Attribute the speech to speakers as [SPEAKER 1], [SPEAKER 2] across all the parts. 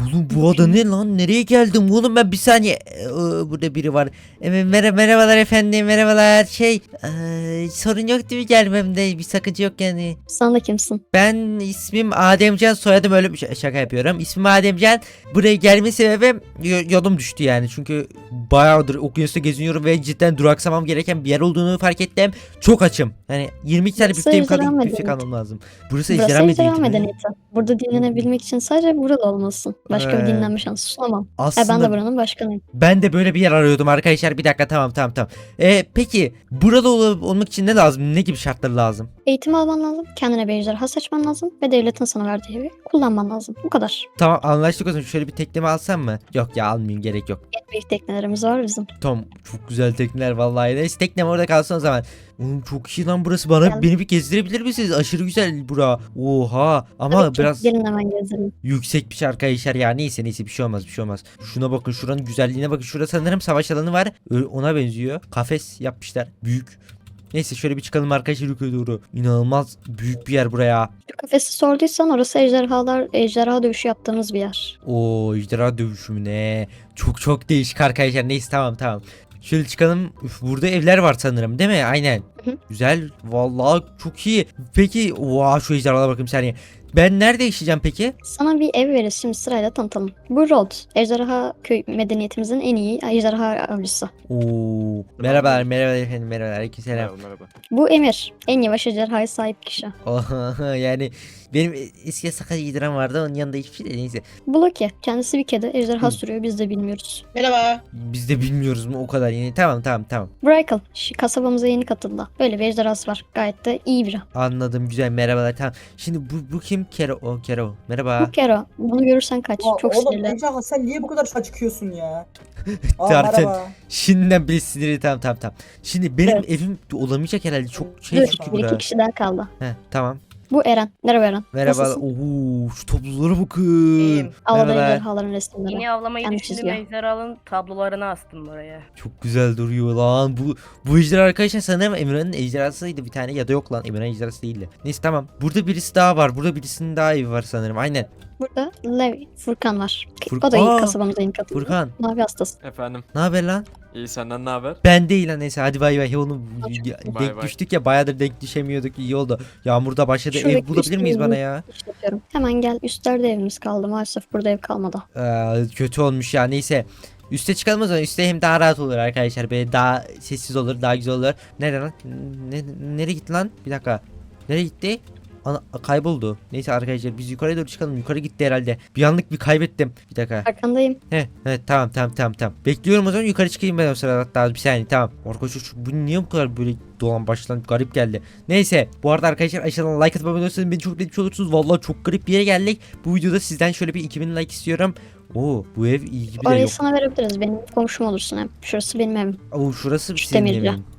[SPEAKER 1] Oğlum bu ada ne lan? Nereye geldim oğlum ben? Bir saniye. Burada biri var. Merhabalar efendim, merhabalar. Sorun yok değil mi gelmemde? Bir sakınca yok yani.
[SPEAKER 2] Sen de kimsin?
[SPEAKER 1] Ben ismim Ademcan, soyadım öyle bir şaka yapıyorum. İsmim Ademcan. Buraya gelme sebebim yolum düştü yani. Çünkü bayağıdır okyanusta geziniyorum ve cidden duraksamam gereken bir yer olduğunu fark ettim. Çok açım. Yani 22 tane
[SPEAKER 2] Burası
[SPEAKER 1] büfteğim
[SPEAKER 2] ejderha
[SPEAKER 1] kaldı. Büftek
[SPEAKER 2] medeniyeti.
[SPEAKER 1] almam lazım. Burası
[SPEAKER 2] Burası
[SPEAKER 1] ejderha
[SPEAKER 2] ejderha
[SPEAKER 1] medeniyeti mi?
[SPEAKER 2] medeniyeti. Burada dinlenebilmek için sadece burada olmalısın. Başka bir
[SPEAKER 1] Ee,
[SPEAKER 2] dinlenme şansı sunamam. Ben
[SPEAKER 1] Aslında
[SPEAKER 2] de buranın başkanıyım.
[SPEAKER 1] ben de böyle bir yer arıyordum arkadaşlar. Bir dakika, tamam. Peki burada olmak için ne lazım? Ne gibi şartlar lazım?
[SPEAKER 2] Eğitim alman lazım. Kendine bir ejderha seçmen lazım. Ve devletin sana verdiği evi kullanman lazım. Bu kadar.
[SPEAKER 1] Tamam, anlaştık o zaman. Şöyle bir teknemi alsam mı? Yok ya, almayayım, gerek yok.
[SPEAKER 2] En büyük teknelerimiz var bizim.
[SPEAKER 1] Tamam, çok güzel tekneler vallahi. Neyse, teknem orada kalsın o zaman. Oğlum çok iyi lan burası.
[SPEAKER 2] Gel.
[SPEAKER 1] Beni bir gezdirebilir misiniz? Aşırı güzel bura. Oha, ama
[SPEAKER 2] Tabii ki.
[SPEAKER 1] biraz
[SPEAKER 2] Gelin hemen gezelim.
[SPEAKER 1] yüksek bir şey arkadaşlar ya. Neyse bir şey olmaz. Şuna bakın, şuranın güzelliğine bakın. Şurada sanırım savaş alanı var. Ona benziyor. Kafes yapmışlar. Büyük. Neyse, şöyle bir çıkalım arkadaşlar yukarı doğru. İnanılmaz büyük bir yer buraya.
[SPEAKER 2] Şu kafesi sorduysan orası ejderha dövüşü yaptığımız bir yer.
[SPEAKER 1] O ejderha dövüşü mü ne? Çok değişik arkadaşlar. Neyse, tamam. Şöyle çıkalım. Üf, burada evler var sanırım değil mi? Aynen.
[SPEAKER 2] Hı hı.
[SPEAKER 1] Güzel. Vallahi çok iyi. Peki şu ejderhalara bakayım bir saniye. Ben nerede yaşayacağım peki?
[SPEAKER 2] Sana bir ev veririz, şimdi sırayla tanıtalım. Bu Rod, ejderha köy medeniyetimizin en iyi ejderha avcısı.
[SPEAKER 1] Oo. Merhabalar efendim, merhabalar. Aleykümselam.
[SPEAKER 3] Merhaba.
[SPEAKER 2] Bu Emir, en yavaş ejderhaya sahip kişi.
[SPEAKER 1] Yani benim eski sakat yediren vardı, onun yanında hiçbir şey değil. Neyse.
[SPEAKER 2] Bu Loki, kendisi bir kedi ejderha
[SPEAKER 1] Hı.
[SPEAKER 2] sürüyor, biz de bilmiyoruz.
[SPEAKER 4] Merhaba.
[SPEAKER 1] Biz de bilmiyoruz mu o kadar yani. Tamam.
[SPEAKER 2] Bu Raikal, kasabamıza yeni katıldı. Böyle bir ejderhası var, gayet de iyi biri.
[SPEAKER 1] Anladım, güzel, merhabalar, tamam. Şimdi bu kim? Kero. Merhaba.
[SPEAKER 2] Bu Kero, bunu görürsen kaç, çok
[SPEAKER 4] Oğlum
[SPEAKER 2] sinirli.
[SPEAKER 4] Ejderha sen niye bu kadar çıkıyorsun ya?
[SPEAKER 1] Zaten
[SPEAKER 4] Merhaba.
[SPEAKER 1] şimdiden bile sinirli, tamam. Şimdi benim
[SPEAKER 2] Evet.
[SPEAKER 1] evim olamayacak herhalde, çok
[SPEAKER 2] Dur,
[SPEAKER 1] çünkü
[SPEAKER 2] bir iki
[SPEAKER 1] bura.
[SPEAKER 2] kişi daha kaldı.
[SPEAKER 1] Tamam.
[SPEAKER 2] Bu Eren, merhaba Eren.
[SPEAKER 1] Merhaba.
[SPEAKER 2] Nasılsın?
[SPEAKER 1] Oo, şu tablolara bakın.
[SPEAKER 4] İyiyim.
[SPEAKER 2] Ağladı
[SPEAKER 1] Merhaba.
[SPEAKER 2] ejderhaların resimleri.
[SPEAKER 5] Yeni avlamayı
[SPEAKER 2] Kendi
[SPEAKER 5] düşündüm,
[SPEAKER 2] çiziyor.
[SPEAKER 5] ejderhanın tablolarını astım oraya.
[SPEAKER 1] Çok güzel duruyor lan. Bu ejderha arkadaşlar sanırım Emirhan'ın ejderhasıydı bir tane, ya da yok lan, Emirhan ejderhası değildi. Neyse, tamam. Burada birisi daha var. Burada birisinin daha evi var sanırım. Aynen.
[SPEAKER 2] Burada Levi, Furkan var.
[SPEAKER 1] Furkan-
[SPEAKER 2] O da iyi
[SPEAKER 1] Aa,
[SPEAKER 2] kasabamıza yeni katıldı.
[SPEAKER 1] Furkan.
[SPEAKER 2] Mavi hastası.
[SPEAKER 3] Efendim.
[SPEAKER 1] Ne haber lan?
[SPEAKER 3] İyi, senden ne haber?
[SPEAKER 1] Ben değil lan, neyse hadi bay. Oğlum
[SPEAKER 3] Bay
[SPEAKER 1] denk
[SPEAKER 3] bay.
[SPEAKER 1] düştük ya, bayağıdır denk düşemiyorduk, iyi oldu. Yağmurda başladı.
[SPEAKER 2] Şuradaki
[SPEAKER 1] Ev bulabilir miyiz bana ya?
[SPEAKER 2] İşletiyorum. Hemen gel. Üstlerde evimiz kaldı. Maalesef burada ev kalmadı.
[SPEAKER 1] Kötü olmuş ya, neyse. Üste çıkalım o zaman. Üste hem daha rahat olur arkadaşlar. Böyle daha sessiz olur, daha güzel olur. Nerede lan? Nereye gitti lan? Bir dakika. Nereye gitti? Kayboldu. Neyse arkadaşlar, biz yukarıya doğru çıkalım. Yukarı gitti herhalde. Bir anlık bir kaybettim. Bir dakika.
[SPEAKER 2] Arkandayım.
[SPEAKER 1] Evet, tamam. Bekliyorum o zaman, yukarı çıkayım ben o sırada, hatta bir saniye, tamam. Arkadaşlar bu niye bu kadar böyle dolan başlan garip geldi. Neyse, bu arada arkadaşlar aşağıdan like atıp abone olursanız beni çok etmiş olursunuz. Vallahi çok garip bir yere geldik. Bu videoda sizden şöyle bir 2000 like istiyorum. Bu ev iyi gibi de
[SPEAKER 2] Orayı
[SPEAKER 1] yok.
[SPEAKER 2] sana verebiliriz. Benim komşum olursun hem. Şurası benim evim.
[SPEAKER 1] Şurası
[SPEAKER 2] Şu
[SPEAKER 1] senin
[SPEAKER 2] demirci.
[SPEAKER 1] evin.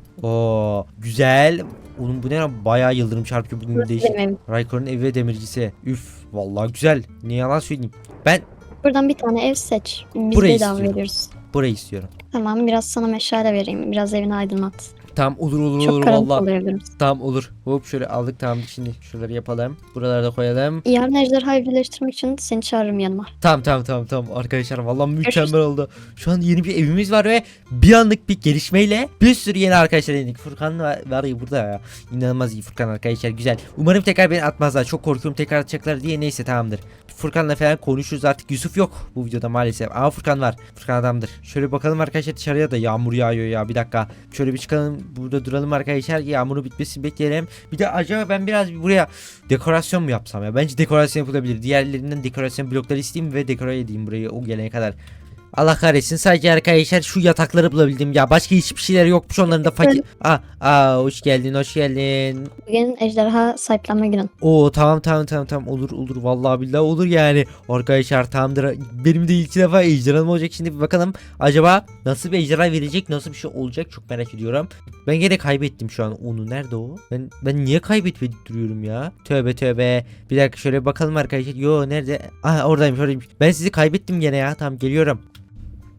[SPEAKER 1] Güzel. Oğlum bu ne lan? Bayağı yıldırım çarpıyor bugün,
[SPEAKER 2] Burası
[SPEAKER 1] değişik.
[SPEAKER 2] benim evim.
[SPEAKER 1] Raykor'un evi ve demircisi. Üf, vallahi güzel. Ne yalan söyleyeyim. Ben
[SPEAKER 2] Buradan bir tane ev seç. Biz
[SPEAKER 1] Burayı
[SPEAKER 2] bedava
[SPEAKER 1] istiyorum.
[SPEAKER 2] veriyoruz.
[SPEAKER 1] burayı istiyorum.
[SPEAKER 2] Tamam, biraz sana meşale vereyim. Biraz evini aydınlat.
[SPEAKER 1] Tamam, olur
[SPEAKER 2] Çok karanlık
[SPEAKER 1] vallahi.
[SPEAKER 2] oluyor biraz.
[SPEAKER 1] Tamam, olur. Hop, şöyle aldık, tamam. Şimdi şuraları yapalım. Buraları da koyalım.
[SPEAKER 2] Yarın ejderhayı birleştirmek için seni çağırırım yanıma.
[SPEAKER 1] Tamam. Arkadaşlar vallahi mükemmel
[SPEAKER 2] Görüşürüz.
[SPEAKER 1] oldu. Şu an yeni bir evimiz var ve bir anlık bir gelişmeyle bir sürü yeni arkadaşlar edindik. Furkan var ya burada ya. İnanılmaz iyi Furkan arkadaşlar, güzel. Umarım tekrar beni atmazlar. Çok korkuyorum tekrar atacaklar diye, neyse tamamdır. Furkan'la falan konuşuruz artık. Yusuf yok bu videoda maalesef. Ama Furkan var. Furkan adamdır. Şöyle bakalım arkadaşlar, dışarıya da yağmur yağıyor ya. Bir dakika. Şöyle bir çıkalım. Burada duralım arkadaşlar. Yağmurun bitmesini bekleyelim. Bir de acaba ben biraz buraya dekorasyon mu yapsam ya? Bence dekorasyon yapılabilir. Diğerlerinden dekorasyon blokları isteyeyim ve dekore edeyim burayı o gelene kadar. Allah kahretsin, sadece arkadaşlar şu yatakları bulabildim ya. Başka hiçbir şeyler yokmuş, onların da fakir. Hoş geldin.
[SPEAKER 2] Bugün ejderha sahiplenme günün.
[SPEAKER 1] Oo, tamam. Olur vallahi billahi olur yani. Arkadaşlar tamamdır. Benim de ilk defa ejderham olacak, şimdi bir bakalım. Acaba nasıl bir ejderha verecek, nasıl bir şey olacak, çok merak ediyorum. Ben gene kaybettim şu an onu. Nerede o? Ben niye kaybetmedik duruyorum ya? Tövbe. Bir dakika, şöyle bakalım arkadaşlar. Yo, nerede? Oradaymış. Ben sizi kaybettim gene ya. Tamam, geliyorum.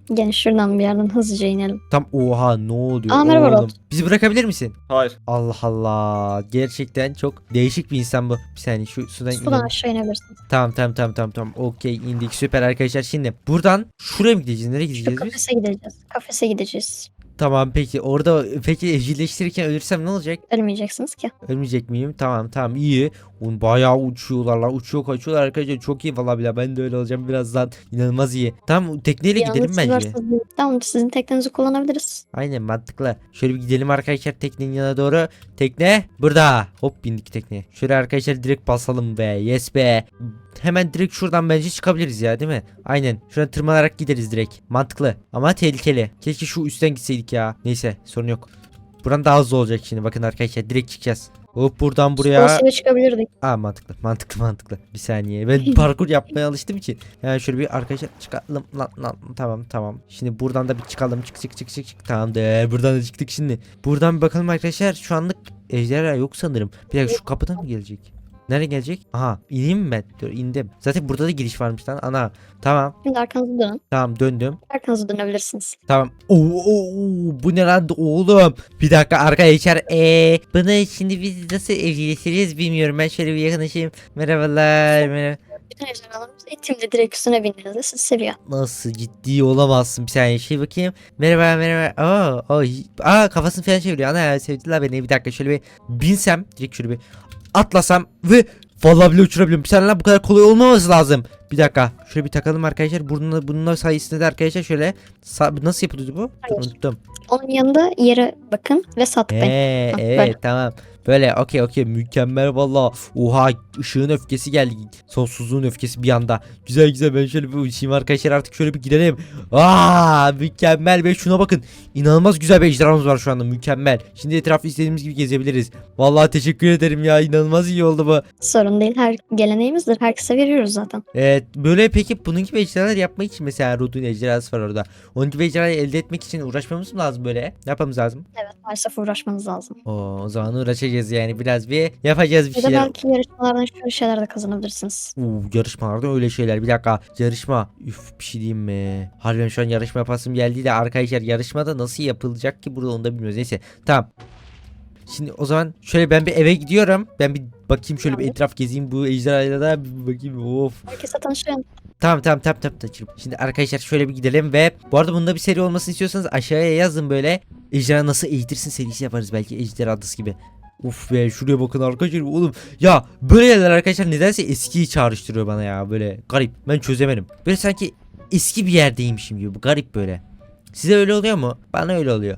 [SPEAKER 2] Gelin şuradan bir yerden hızlıca inelim.
[SPEAKER 1] Tam oha ne oluyor
[SPEAKER 2] Aa, merhaba
[SPEAKER 1] oğlum?
[SPEAKER 2] Rod.
[SPEAKER 1] Bizi bırakabilir misin?
[SPEAKER 3] Hayır.
[SPEAKER 1] Allah Allah. Gerçekten çok değişik bir insan bu. Bir saniye şu sudan
[SPEAKER 2] Sudan
[SPEAKER 1] inelim.
[SPEAKER 2] aşağı inebilirsiniz.
[SPEAKER 1] Tamam. Okey indik süper arkadaşlar. Şimdi buradan şuraya mı gideceğiz? Nereye
[SPEAKER 2] Şu
[SPEAKER 1] gideceğiz biz?
[SPEAKER 2] kafese gideceğiz. Kafese gideceğiz.
[SPEAKER 1] Tamam peki orada peki evcilleştirirken ölürsem ne olacak?
[SPEAKER 2] Ölmeyeceksiniz ki.
[SPEAKER 1] Ölmeyecek miyim? Tamam iyi. Oğlum bayağı uçuyorlar lan. Uçuyor kaçıyorlar arkadaşlar. Çok iyi valla bile. Ben de öyle olacağım birazdan. İnanılmaz iyi. Tamam tekneyle gidelim
[SPEAKER 2] Yalnız siz
[SPEAKER 1] bence.
[SPEAKER 2] varsınız. Tamam sizin teknenizi kullanabiliriz.
[SPEAKER 1] Aynen mantıklı. Şöyle bir gidelim arkadaşlar teknenin yanına doğru. Tekne burada. Hop bindik tekneye. Şöyle arkadaşlar direkt basalım be. Yes be. Hemen direkt şuradan bence çıkabiliriz ya değil mi? Aynen. Şuradan tırmanarak gideriz direkt. Mantıklı. Ama tehlikeli. Keşke şu üstten gitseydik ya. Neyse sorun yok. Buradan daha hızlı olacak şimdi. Bakın arkadaşlar direkt çıkacağız. Hop buradan buraya.
[SPEAKER 2] Dolayısıyla çıkabilirdik.
[SPEAKER 1] Aa mantıklı. Bir saniye. Ben parkur yapmaya alıştım için. Yani şöyle bir arkadaşlar çıkalım lan. Tamam. Şimdi buradan da bir çıkalım. Çık. Tamamdır. Buradan da çıktık şimdi. Buradan bir bakalım arkadaşlar. Şu anlık ejderha yok sanırım. Bir dakika şu kapıdan mı gelecek? Nereye gelecek? Aha ineyim mi ben? Dur indim. Zaten burada da giriş varmış lan. Ana. Tamam.
[SPEAKER 2] Şimdi arkanızı dönün.
[SPEAKER 1] Tamam döndüm.
[SPEAKER 2] Arkanızı dönebilirsiniz.
[SPEAKER 1] Tamam. Bu ne lan oğlum? Bir dakika arkadaşlar. Bunu şimdi biz nasıl evcilleştireceğiz bilmiyorum. Ben şöyle bir yakınlaşayım. Merhaba.
[SPEAKER 2] Bütün ejderhalarımız eğitimde direkt üstüne bindiğinizde sizi seviyor.
[SPEAKER 1] Nasıl ciddi olamazsın bir saniye şey bakayım. Merhaba. Kafasını falan çeviriyor. Ana sevdiler beni. Bir dakika şöyle bir binsem. Direkt şöyle bir atlasam ve vallahi bile uçurabiliyorum. Bir saniye lan bu kadar kolay olmaması lazım. Bir dakika. Şöyle bir takalım arkadaşlar. Bununla sayesinde de arkadaşlar şöyle nasıl yapılıyordu bu?
[SPEAKER 2] Hayır.
[SPEAKER 1] Unuttum.
[SPEAKER 2] Onun yanında yere bakın ve sağ tıklayın.
[SPEAKER 1] Evet
[SPEAKER 2] böyle.
[SPEAKER 1] tamam. Böyle okey mükemmel valla. Oha ışığın öfkesi geldi. Sonsuzluğun öfkesi bir anda. Güzel ben şöyle bir uçayım arkadaşlar artık şöyle bir gidelim. Mükemmel be şuna bakın. İnanılmaz güzel bir ejderhamız var şu anda mükemmel. Şimdi etrafı istediğimiz gibi gezebiliriz. Vallahi teşekkür ederim ya inanılmaz iyi oldu bu.
[SPEAKER 2] Sorun değil. Her geleneğimizdir. Herkese veriyoruz zaten.
[SPEAKER 1] Evet böyle peki bunun gibi ejderhalar yapmak için mesela Rod'un ejderhası var orada. Onun gibi ejderhayı elde etmek için uğraşmamız mı lazım böyle? Ne yapmamız lazım?
[SPEAKER 2] Evet maalesef uğraşmanız lazım.
[SPEAKER 1] O zaman uğraşacağız yani biraz bir yapacağız bir
[SPEAKER 2] Ya da
[SPEAKER 1] şeyler.
[SPEAKER 2] belki yarışmalardan şöyle şeyler de kazanabilirsiniz.
[SPEAKER 1] Yarışmalarda öyle şeyler. Bir dakika. Yarışma. Üf bir şey diyeyim mi? Harbiden şu an yarışma yapasım geldi de arkadaşlar yarışmada nasıl yapılacak ki burada onu da bilmiyoruz. Neyse. Tamam. Şimdi o zaman şöyle ben bir eve gidiyorum. Ben bir bakayım şöyle bir etraf gezeyim bu ejderhayla da bir bakayım. Of.
[SPEAKER 2] Herkese tanışın.
[SPEAKER 1] Tamam. Şimdi arkadaşlar şöyle bir gidelim ve bu arada bunda bir seri olmasını istiyorsanız aşağıya yazın böyle. Ejderha nasıl eğitirsin serisi yaparız belki ejderha adası gibi. Uf be şuraya bakın arkadaşlar oğlum. Ya böyle yerler arkadaşlar nedense eskiyi çağrıştırıyor bana ya böyle garip. Ben çözemedim. Böyle sanki eski bir yerdeymişim gibi garip böyle. Size öyle oluyor mu? Bana öyle oluyor.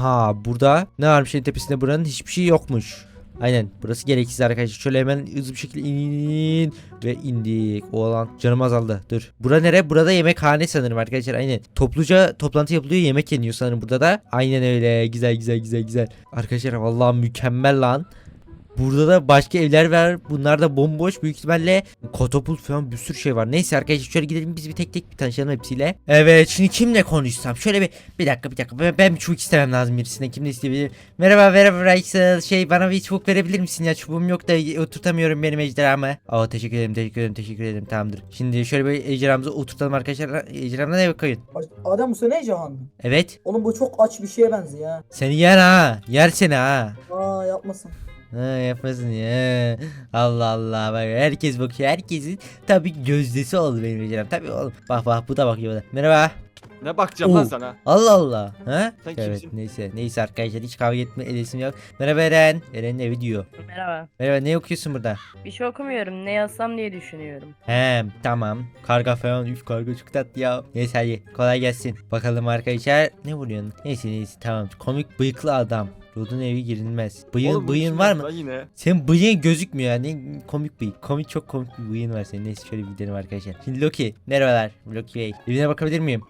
[SPEAKER 1] Burada ne varmış en tepesinde buranın hiçbir şey yokmuş. Aynen burası gereksiz arkadaşlar. Şöyle hemen hızlı bir şekilde in ve indik. O alan canım azaldı. Dur. Bura nere? Burada yemekhane sanırım arkadaşlar. Aynen. Topluca toplantı yapılıyor. Yemek yeniyor sanırım burada da. Aynen öyle. Güzel. Arkadaşlar vallahi mükemmel lan. Burada da başka evler var. Bunlar da bomboş. Büyük ihtimalle katapult falan bir sürü şey var. Neyse arkadaşlar şöyle gidelim biz bir tek bir tanışalım hepsiyle. Evet şimdi kimle konuşsam? Şöyle bir dakika. Ben bir çubuk istemem lazım birisine. Kimle isteyebilirim? Merhaba Rachel. Bana bir çubuk verebilir misin ya? Çubuğum yok da oturtamıyorum benim ejderhamı. Teşekkür ederim. Tamamdır. Şimdi şöyle bir ejderhamızı oturtalım arkadaşlar. Ejderhamına ne koyun?
[SPEAKER 4] Adem bu sene Cihan.
[SPEAKER 1] Evet.
[SPEAKER 4] Oğlum bu çok aç bir şeye benziyor ya.
[SPEAKER 1] Seni yer ha. Yer seni ha.
[SPEAKER 4] Yapmasın.
[SPEAKER 1] Yapmasın ya. Allah bak herkes bakıyor. Herkesin tabii gözdesi oldu benim ejderham. Tabii oğlum. Bak bu da bakıyor bana. Merhaba.
[SPEAKER 3] Ne bakacağım lan
[SPEAKER 1] Oo.
[SPEAKER 3] sana?
[SPEAKER 1] Allah. Ha?
[SPEAKER 3] Sen
[SPEAKER 1] Evet
[SPEAKER 3] kimsin?
[SPEAKER 1] neyse arkadaşlar hiç kavga etme edesim yok. Merhaba Eren. Eren'in evi diyor.
[SPEAKER 5] Merhaba.
[SPEAKER 1] Ne okuyorsun burada?
[SPEAKER 5] Bir şey okumuyorum. Ne yazsam diye düşünüyorum.
[SPEAKER 1] Tamam. Karga falan. Karga çok tatlı ya. Neyse hadi kolay gelsin. Bakalım arkadaşlar. Ne vuruyorsun? Neyse tamam. Komik bıyıklı adam. Rod'un evi girilmez.
[SPEAKER 3] Oğlum,
[SPEAKER 1] Bıyığın var mı?
[SPEAKER 3] lan Yine.
[SPEAKER 1] Senin bıyığın gözükmüyor yani komik bıyık. Çok komik bir bıyığın var senin. Neyse şöyle bir gidelim arkadaşlar. Şimdi Loki. Merhabalar. Loki Bey. Evine bakabilir miyim?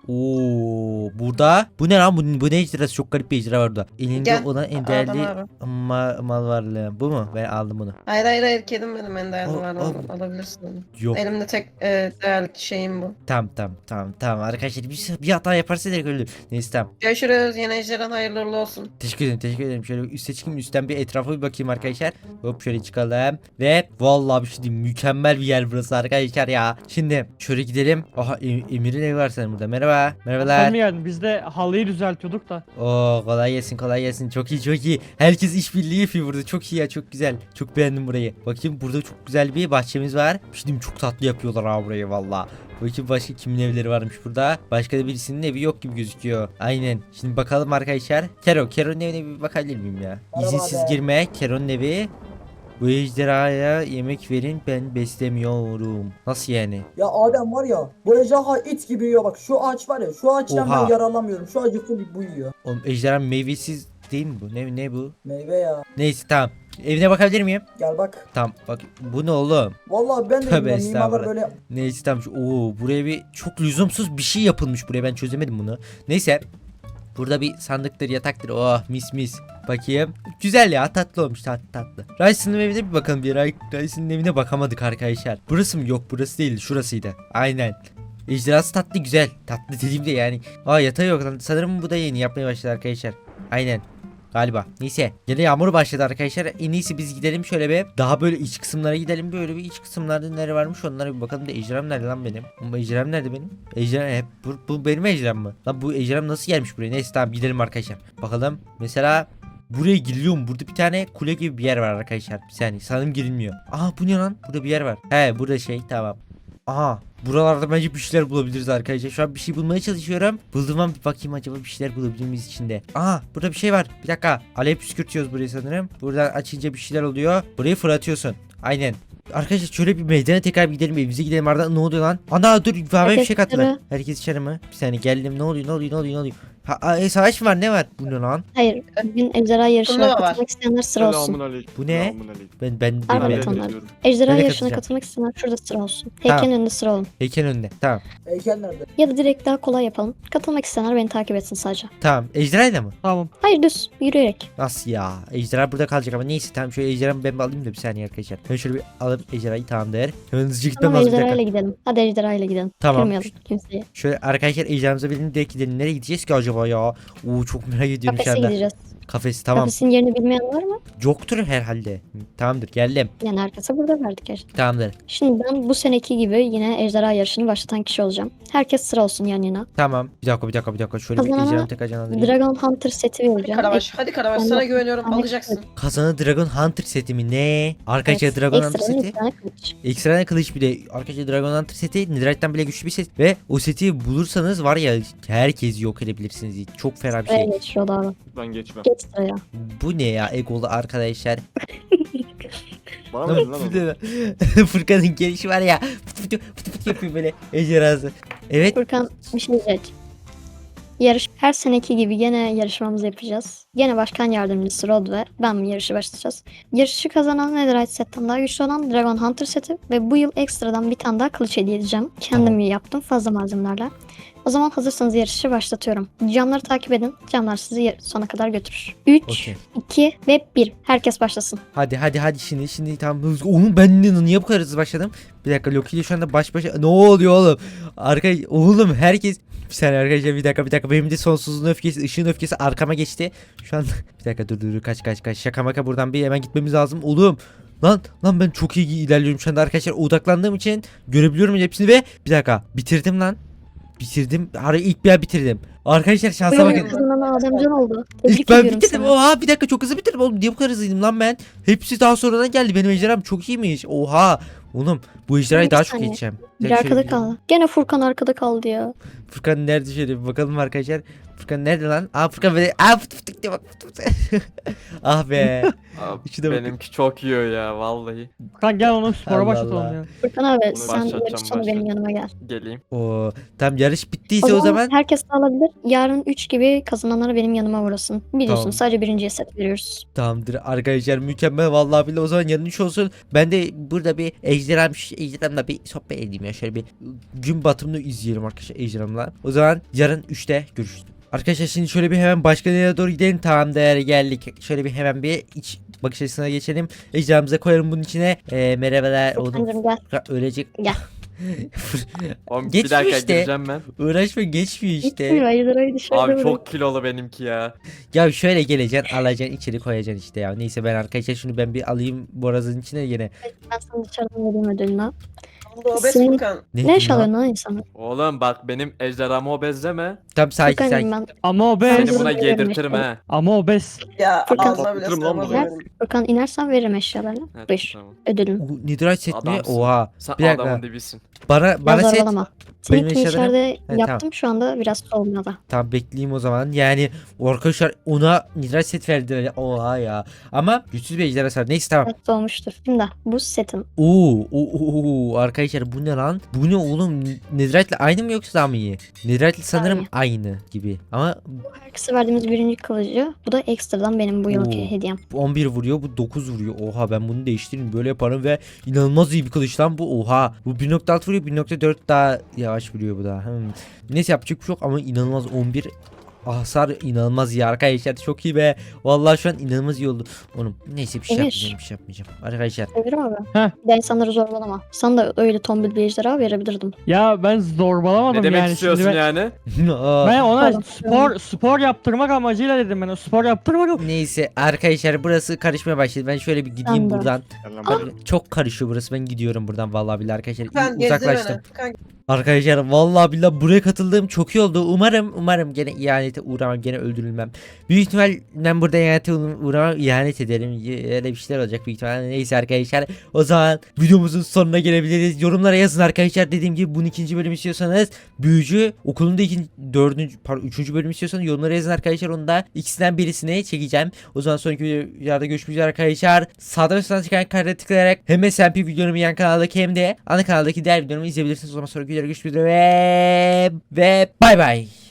[SPEAKER 1] Burada. Bu ne lan? Bu ne ejderhası? Çok garip bir ejderha var burada. Elinde
[SPEAKER 6] Gel.
[SPEAKER 1] olan en
[SPEAKER 6] Adam
[SPEAKER 1] değerli
[SPEAKER 6] abi.
[SPEAKER 1] mal varlığı. Bu mu? Ben aldım bunu.
[SPEAKER 6] Hayır kedim benim en değerli
[SPEAKER 1] Al,
[SPEAKER 6] var
[SPEAKER 1] al.
[SPEAKER 6] alabilirsin onu.
[SPEAKER 1] Yok.
[SPEAKER 6] Elimde tek değerli şeyim bu.
[SPEAKER 1] Tamam. Arkadaşlar bir hata yaparsa direkt öldür. Neyse tamam.
[SPEAKER 6] Görüşürüz yeni ejderhan hayırlı uğurlu olsun.
[SPEAKER 1] Teşekkür ederim. gidelim. Şöyle üste çıkayım, üstten bir etrafa bir bakayım arkadaşlar. Hop şöyle çıkalım. Ve vallahi bir şey diyeyim, mükemmel bir yer burası arkadaşlar ya. Şimdi şöyle gidelim. Aha Emir'in evi var senin burada. Merhaba. Merhabalar.
[SPEAKER 3] Sen mi geldin? Biz de halıyı düzeltiyorduk da.
[SPEAKER 1] Oo kolay gelsin, kolay gelsin. Çok iyi, çok iyi. Herkes işbirliği yapıyor burada. Çok iyi ya, çok güzel. Çok beğendim burayı. Bakayım burada çok güzel bir bahçemiz var. Bir şey diyeyim, çok tatlı yapıyorlar ha burayı valla. Bakayım başka kimin evleri varmış burada. Başka da birisinin evi yok gibi gözüküyor. Aynen. Şimdi bakalım arkadaşlar. Kero'nun evine bir bakabilir miyim ya?
[SPEAKER 4] Merhaba
[SPEAKER 1] İzinsiz
[SPEAKER 4] abi.
[SPEAKER 1] girme. Kero'nun evi. Bu ejderhaya yemek verin, ben beslemiyorum. Nasıl yani?
[SPEAKER 4] Ya Adem var ya, bu ejderha it gibi yiyor. Bak şu ağaç var ya, şu ağaçtan
[SPEAKER 1] Oha.
[SPEAKER 4] ben yararlanmıyorum. Şu ağacı full bu yiyor.
[SPEAKER 1] Oğlum ejderha meyvesiz değil mi bu? Ne bu?
[SPEAKER 4] Meyve ya.
[SPEAKER 1] Neyse tamam. Evine bakabilir miyim?
[SPEAKER 4] Gel bak.
[SPEAKER 1] Tamam bak, bu ne oğlum?
[SPEAKER 4] Vallahi ben de
[SPEAKER 1] Tövbe
[SPEAKER 4] bilmiyorum. Mimarlar
[SPEAKER 1] estağfurullah.
[SPEAKER 4] böyle
[SPEAKER 1] Neyse tamam. Buraya bir çok lüzumsuz bir şey yapılmış buraya, ben çözemedim bunu. Neyse. Burada bir sandıktır, yataktır. Oh mis. Bakayım. Güzel ya, tatlı olmuş, tatlı. Rice'ın evine bir bakalım. Rice'ın evine bakamadık arkadaşlar. Burası mı? Yok burası değil, şurasıydı. Aynen. Ejderhası tatlı, güzel. Tatlı dediğimde yani. Yatağı yok. Sanırım bu da yeni yapmaya başladı arkadaşlar. Aynen. Galiba. Neyse. Yine yağmur başladı arkadaşlar. En iyisi biz gidelim şöyle bir. Daha böyle iç kısımlara gidelim. Böyle bir iç kısımlarda neler varmış onlara bir bakalım da ejderham nerede lan benim? Bu ejderham nerede benim? Ejderham hep bu benim ejderham mı? Lan bu ejderham nasıl gelmiş buraya? Neyse tamam gidelim arkadaşlar. Bakalım. Mesela buraya giriliyor mu? Burada bir tane kule gibi bir yer var arkadaşlar. Bir saniye sanırım girilmiyor. Aha bu ne lan? Burada bir yer var. He burada tamam. Aha buralarda bence bir şeyler bulabiliriz arkadaşlar. Şu an bir şey bulmaya çalışıyorum. Bulduğum an bir bakayım acaba bir şeyler bulabilir miyiz içinde. Aha burada bir şey var. Bir dakika. Alev püskürtüyoruz burayı sanırım. Buradan açınca bir şeyler oluyor. Burayı fırlatıyorsun. Aynen. Arkadaşlar şöyle bir meydana tekrar bir gidelim, evimize gidelim. Arada ne oluyor lan? Ana dur, bana bir şey kattılar.
[SPEAKER 2] dışarı.
[SPEAKER 1] Herkes dışarı mı? Bir saniye geldim. Ne oluyor? Savaş mı var, ne var? Bu ne lan?
[SPEAKER 2] Hayır. Bugün ejderha yarışına
[SPEAKER 6] Turnuva var.
[SPEAKER 2] katılmak isteyenler sıra olsun.
[SPEAKER 7] Selamünaleyküm.
[SPEAKER 1] Bu ne?
[SPEAKER 7] Selamünaleyküm.
[SPEAKER 1] Ben
[SPEAKER 2] Harbi
[SPEAKER 1] bilmiyorum.
[SPEAKER 2] onlar.
[SPEAKER 7] ediyorum.
[SPEAKER 2] Ejderha
[SPEAKER 1] Ben de
[SPEAKER 2] yarışına
[SPEAKER 1] katılacağım.
[SPEAKER 2] katılmak isteyenler şurada sıra olsun.
[SPEAKER 1] Tamam.
[SPEAKER 2] Heykelin önünde sıra olun.
[SPEAKER 1] Heykel önünde. Tamam.
[SPEAKER 4] heykel nerede?
[SPEAKER 2] Ya da direkt daha kolay yapalım. Katılmak isteyenler beni takip etsin sadece.
[SPEAKER 1] Tamam. Ejderhayla mı?
[SPEAKER 3] Tamam.
[SPEAKER 2] Hayır düz yürüyerek.
[SPEAKER 1] Nasıl ya? Ejderha burada kalacak ama neyse tamam, şöyle ejderhamı ben bir alayım da bir saniye arkadaşlar. Ben şöyle bir alıp ejderhayı, tamamdır. Hemen hızlıca gitmem
[SPEAKER 2] Tamam
[SPEAKER 1] lazım bir dakika.
[SPEAKER 2] ejderhayla gidelim. Hadi ejderhayla gidelim.
[SPEAKER 1] Tamam.
[SPEAKER 2] Kırmayalım kimseyi.
[SPEAKER 1] Şöyle arkadaşlar ejderhamıza binelim, direkt gidelim. Nereye gideceğiz ki acaba ya? Çok merak ediyorum şu
[SPEAKER 2] Kafese
[SPEAKER 1] anda.
[SPEAKER 2] gideceğiz.
[SPEAKER 1] Kafesi tamam.
[SPEAKER 2] Kafesin yerini bilmeyen var mı?
[SPEAKER 1] Yoktur herhalde. Tamamdır geldim.
[SPEAKER 2] Yani herkese burada verdik gerçekten.
[SPEAKER 1] Tamamdır.
[SPEAKER 2] Şimdi ben bu seneki gibi yine ejderha yarışını başlatan kişi olacağım. Herkes sıra olsun yan yana.
[SPEAKER 1] Tamam. Bir dakika. Şöyle bir
[SPEAKER 2] Kazanana
[SPEAKER 1] ejderhamı tekrar canlandırayım.
[SPEAKER 2] Dragon Hunter seti
[SPEAKER 6] Hadi
[SPEAKER 2] vereceğim.
[SPEAKER 6] Karabaş. Hadi Karabaş.
[SPEAKER 2] Ben
[SPEAKER 6] Sana
[SPEAKER 2] de-
[SPEAKER 6] güveniyorum.
[SPEAKER 2] ben de-
[SPEAKER 6] Alacaksın.
[SPEAKER 1] Kazanı Dragon Hunter seti mi? Ne? Arkadaşlar Dragon Hunter
[SPEAKER 2] Ekstradan
[SPEAKER 1] seti.
[SPEAKER 2] bir tane kılıç.
[SPEAKER 1] Ekstra kılıç bir de. Arkadaşlar Dragon Hunter seti Netherite'den bile güçlü bir set. Ve o seti bulursanız var ya, herkesi yok edebilirsiniz. Çok fena bir
[SPEAKER 2] Sıraya
[SPEAKER 1] şey.
[SPEAKER 2] geç Roda.
[SPEAKER 7] Ben geçmem.
[SPEAKER 2] Geç sıraya.
[SPEAKER 1] Bu ne ya egolu arkadaşlar.
[SPEAKER 7] Bana mı dedin lan onu?
[SPEAKER 1] Furkan'ın gelişi var ya. Fıt fıt yapıyor böyle ejderhası. Evet.
[SPEAKER 2] Furkan bir şey diyecek. Her seneki gibi gene yarışmamızı yapacağız. Gene başkan yardımcısı Rod ve ben yarışı başlayacağız. Yarışı kazanan Netherite setten daha güçlü olan Dragon Hunter seti ve bu yıl ekstradan bir tane daha kılıç hediye edeceğim. Kendim yaptım fazla malzemelerle. O zaman hazırsanız yarışı başlatıyorum. Camları takip edin. Camlar sizi sona kadar götürür. 3,
[SPEAKER 1] Okey.
[SPEAKER 2] 2 ve 1. Herkes başlasın.
[SPEAKER 1] Hadi şimdi tamam hızlı. Oğlum ben niye bu kadar hızlı başladım? Bir dakika, Loki ile şu anda baş başa. Ne oluyor oğlum? Oğlum herkes. Bir saniye arkadaşlar, bir dakika. Benim de sonsuzluğun öfkesi, ışığın öfkesi arkama geçti. Şu an bir dakika dur kaç. Şaka maka buradan bir hemen gitmemiz lazım. Oğlum. Lan ben çok iyi ilerliyorum şu anda arkadaşlar. Odaklandığım için görebiliyorum hepsini ve bir dakika bitirdim lan. Bitirdim. İlk bir bitirdim. Arkadaşlar
[SPEAKER 2] Bu
[SPEAKER 1] şansa
[SPEAKER 2] yılın
[SPEAKER 1] bakın.
[SPEAKER 2] kazanan Ademcan oldu. Tebrik
[SPEAKER 1] İlk ben
[SPEAKER 2] ediyorum
[SPEAKER 1] bitirdim.
[SPEAKER 2] seni.
[SPEAKER 1] Oha bir dakika, çok hızlı bitirdim oğlum. Niye bu kadar hızlıydım lan ben? Hepsi daha sonradan geldi. Benim ejderham çok iyiymiş. Oha. Oğlum bu ejderhayı
[SPEAKER 2] Bir
[SPEAKER 1] daha çok
[SPEAKER 2] saniye.
[SPEAKER 1] geçeceğim.
[SPEAKER 2] Bir arkada kaldı. Gene Furkan arkada kaldı ya.
[SPEAKER 1] Furkan nerede, şöyle bir bakalım arkadaşlar. Furkan nerede lan? Furkan böyle fıt diye bak. Ah be.
[SPEAKER 7] Abi,
[SPEAKER 1] İçi de bakın.
[SPEAKER 7] benimki çok yiyor ya vallahi.
[SPEAKER 3] Kan gel onu spora
[SPEAKER 1] Allah
[SPEAKER 3] başlatalım
[SPEAKER 1] Allah.
[SPEAKER 3] ya.
[SPEAKER 2] Furkan abi
[SPEAKER 7] Bunu
[SPEAKER 2] sen
[SPEAKER 7] başlatacağım,
[SPEAKER 2] yarış sonu benim yanıma gel.
[SPEAKER 7] Geleyim.
[SPEAKER 1] Oo, tam yarış bittiyse o zaman.
[SPEAKER 2] herkes alabilir. Yarın 3 gibi kazananları benim yanıma uğrasın. Biliyorsun
[SPEAKER 1] Tamam.
[SPEAKER 2] sadece birinciye set veriyoruz.
[SPEAKER 1] Tamamdır arkadaşlar, mükemmel vallahi billahi. O zaman yarın 3 olsun. Ben de burada bir ejderhamla bir sohbet edeyim ya. Şöyle bir gün batımını izleyelim arkadaşlar ejderhamla. O zaman yarın 3'te görüşürüz. Arkadaşlar şimdi şöyle bir hemen başka yere doğru gidelim. Tamamdır geldik. Şöyle bir hemen bir iç bakış açısına geçelim. Ejderhamıza koyalım bunun içine. Merhabalar oğlum.
[SPEAKER 2] Furkan'cığım gel.
[SPEAKER 1] Ölecek.
[SPEAKER 2] Gel.
[SPEAKER 7] Oğlum bir
[SPEAKER 1] Geçmiyor
[SPEAKER 7] dakika
[SPEAKER 1] işte.
[SPEAKER 7] gireceğim ben.
[SPEAKER 1] Uğraşma geçmiyor
[SPEAKER 2] Gitmiyor.
[SPEAKER 1] işte.
[SPEAKER 2] Ayıları dışarıda
[SPEAKER 7] Abi
[SPEAKER 2] bırak.
[SPEAKER 7] çok kilolu benimki ya.
[SPEAKER 1] Ya şöyle geleceksin alacaksın içeri koyacaksın işte ya. Neyse ben arkadaşlar şunu ben bir alayım borazın içine yine.
[SPEAKER 2] Ben sana dışarıdan vereyim ödülünü.
[SPEAKER 6] Bu obez
[SPEAKER 2] Senin-
[SPEAKER 6] Furkan.
[SPEAKER 2] Ne iş alıyorsun lan insanı?
[SPEAKER 7] Oğlum bak benim ejderhamı obezleme.
[SPEAKER 1] Tam sakin
[SPEAKER 2] Furkan'cığım
[SPEAKER 1] sakin.
[SPEAKER 2] ben.
[SPEAKER 3] Ama obez.
[SPEAKER 7] Seni
[SPEAKER 2] Dur,
[SPEAKER 7] buna
[SPEAKER 2] dur,
[SPEAKER 7] yedirtirim
[SPEAKER 2] dur.
[SPEAKER 7] ha.
[SPEAKER 3] Ama obez.
[SPEAKER 6] Ya
[SPEAKER 2] Furkan.
[SPEAKER 6] ağzına bile
[SPEAKER 7] Patlatırım lan bunu.
[SPEAKER 6] sığamıyorum.
[SPEAKER 2] Furkan inersen veririm eşyalarını.
[SPEAKER 7] Evet,
[SPEAKER 2] Buyur.
[SPEAKER 7] tamam.
[SPEAKER 2] Ödülün.
[SPEAKER 1] Bu Nidra set mi?
[SPEAKER 7] Adamsın.
[SPEAKER 1] Oha.
[SPEAKER 7] Sen
[SPEAKER 1] Bir dakika.
[SPEAKER 7] adamın dibisin.
[SPEAKER 1] Bana set.
[SPEAKER 2] Zorbalama.
[SPEAKER 1] Benim
[SPEAKER 2] Seninkini
[SPEAKER 1] eşyalarım-
[SPEAKER 2] içeride
[SPEAKER 1] tamam.
[SPEAKER 2] yaptım şu anda biraz soğumada.
[SPEAKER 1] Tamam bekleyeyim o zaman. Yani arkadaşlar ona Nidra set verdiler. Oha ya. Ama güçsüz bir ejderha var. Neyse tamam.
[SPEAKER 2] Evet soğumuştur. Şimdi bu setin.
[SPEAKER 1] Oo, arkadaşlar bu ne lan? Bu ne oğlum? Netherite'le aynı mı yoksa daha mı iyi? Netherite'le sanırım aynı gibi. Ama
[SPEAKER 2] Herkese verdiğimiz birinci kılıcı. Bu da ekstradan benim bu yılki
[SPEAKER 1] Oo.
[SPEAKER 2] hediyem.
[SPEAKER 1] bu 11 vuruyor, bu 9 vuruyor. Oha ben bunu değiştireyim böyle yaparım ve inanılmaz iyi bir kılıç lan bu. Oha. Bu 1.6 vuruyor, 1.4 daha yavaş vuruyor bu da. Neyse yapacak bir şey yok ama inanılmaz 11 hasar inanılmaz iyi arkadaşlar. Çok iyi be. Vallahi şu an inanılmaz iyi oldu. Oğlum neyse bir şey
[SPEAKER 2] Emir.
[SPEAKER 1] yapmayacağım, bir şey yapmayacağım. Arkadaşlar
[SPEAKER 2] Severim abi.
[SPEAKER 3] Heh.
[SPEAKER 2] Bir de insanları zorbalama. Sana da öyle tombul bir ejderha verebilirdim.
[SPEAKER 3] Ya ben zorbalamadım
[SPEAKER 7] Ne demek
[SPEAKER 3] yani.
[SPEAKER 7] istiyorsun
[SPEAKER 3] Şimdi
[SPEAKER 7] yani?
[SPEAKER 3] ben ona
[SPEAKER 2] Pardon.
[SPEAKER 3] spor yaptırmak amacıyla dedim ben. O spor yaptırmadım.
[SPEAKER 1] Neyse arkadaşlar burası karışmaya başladı. Ben şöyle bir gideyim
[SPEAKER 2] Ben de.
[SPEAKER 1] buradan.
[SPEAKER 7] Gel lan
[SPEAKER 1] Abi,
[SPEAKER 7] buraya.
[SPEAKER 1] çok karışıyor burası. Ben gidiyorum buradan vallahi billahi arkadaşlar.
[SPEAKER 6] Furkan
[SPEAKER 1] İyi, uzaklaştım.
[SPEAKER 6] gezdir beni. Furkan
[SPEAKER 1] Arkadaşlar vallahi billahi buraya katıldığım çok iyi oldu. Umarım gene ihanete uğramam, gene öldürülmem. Büyük ihtimal ben burada ihanete uğramam, ihanet ederim. Öyle bir şeyler olacak büyük ihtimal. Neyse arkadaşlar o zaman videomuzun sonuna gelebiliriz. Yorumlara yazın arkadaşlar. Dediğim gibi bunun ikinci bölüm istiyorsanız, büyücü okulunda üçüncü bölüm istiyorsanız yorumlara yazın arkadaşlar. Onu da ikisinden birisini çekeceğim. O zaman sonraki videoda görüşmek üzere arkadaşlar. Sağdan ve soldan çıkan kartlara tıklayarak hem SMP videomu yan kanaldaki hem de ana kanaldaki diğer videomu izleyebilirsiniz. O zaman sonraki videoda görüşmek üzere ve bay bay.